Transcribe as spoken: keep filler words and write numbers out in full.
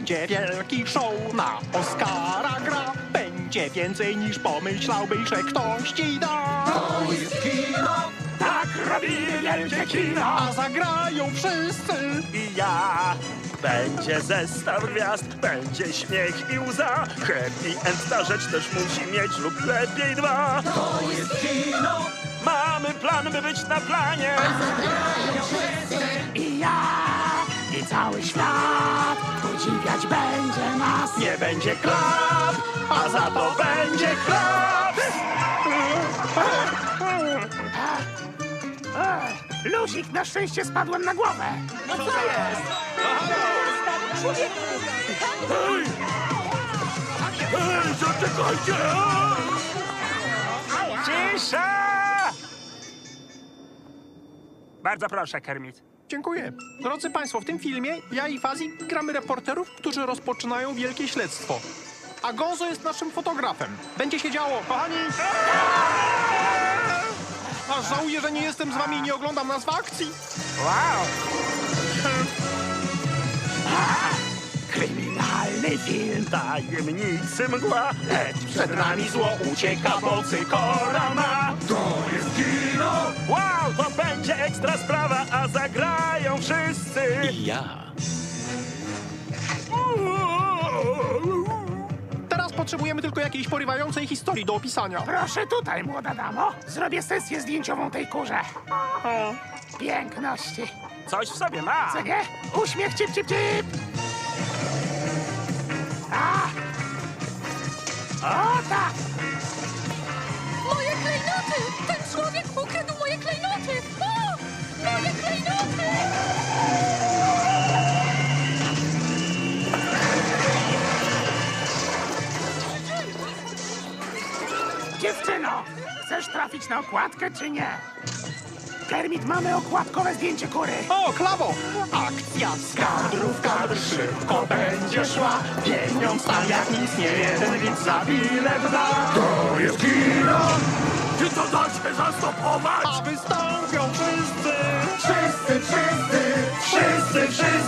będzie wielki show, na Oscara gra. Będzie więcej niż pomyślałbyś, że ktoś ci da. To jest kino, Tak robimy wielkie kino, a zagrają wszyscy. I ja. Będzie zestaw gwiazd, będzie śmiech i łza. Happy end ta rzecz też musi mieć lub lepiej dwa. to jest kino, Mamy plan, by być na planie. I ja, i cały świat podziwiać będzie nas. Nie będzie klap, a za to będzie klap. Luzik, na szczęście spadłem na głowę. Ej, zaczekajcie! Cisza! Bardzo proszę, Kermit. Dziękuję. Drodzy Państwo, w tym filmie ja i Fuzzy gramy reporterów, którzy rozpoczynają wielkie śledztwo. A Gonzo jest naszym fotografem. Będzie się działo, kochani! Aż żałuję, że nie jestem z wami i nie oglądam nas w akcji. Wow! Kryminalny film. Tajemnicy mgła, lecz Przed nami zło ucieka, bo cykora ma. to jest kino. wow, to będzie ekstra sprawa, a zagrają wszyscy. I ja. Teraz potrzebujemy tylko jakiejś porywającej historii do opisania. Proszę tutaj, młoda damo. Zrobię sesję zdjęciową tej kurze. Piękności. Coś w sobie ma. Co nie? Uśmiech, cip, cip, cip. A! O tak! Moje klejnoty! Ten człowiek ukradł moje klejnoty! O! Moje klejnoty! Dziewczyno, chcesz trafić na okładkę, czy nie? Kermit, mamy okładkowe zdjęcie kury. O, klawo! Akcja z kadru w kadr szybko będzie szła. Pieniądz tam jak nic nie jeden widz za bilet da. To jest kino, Czy to da się zastopować? A wystąpią wszyscy! wszyscy, wszyscy, Wszyscy, wszyscy!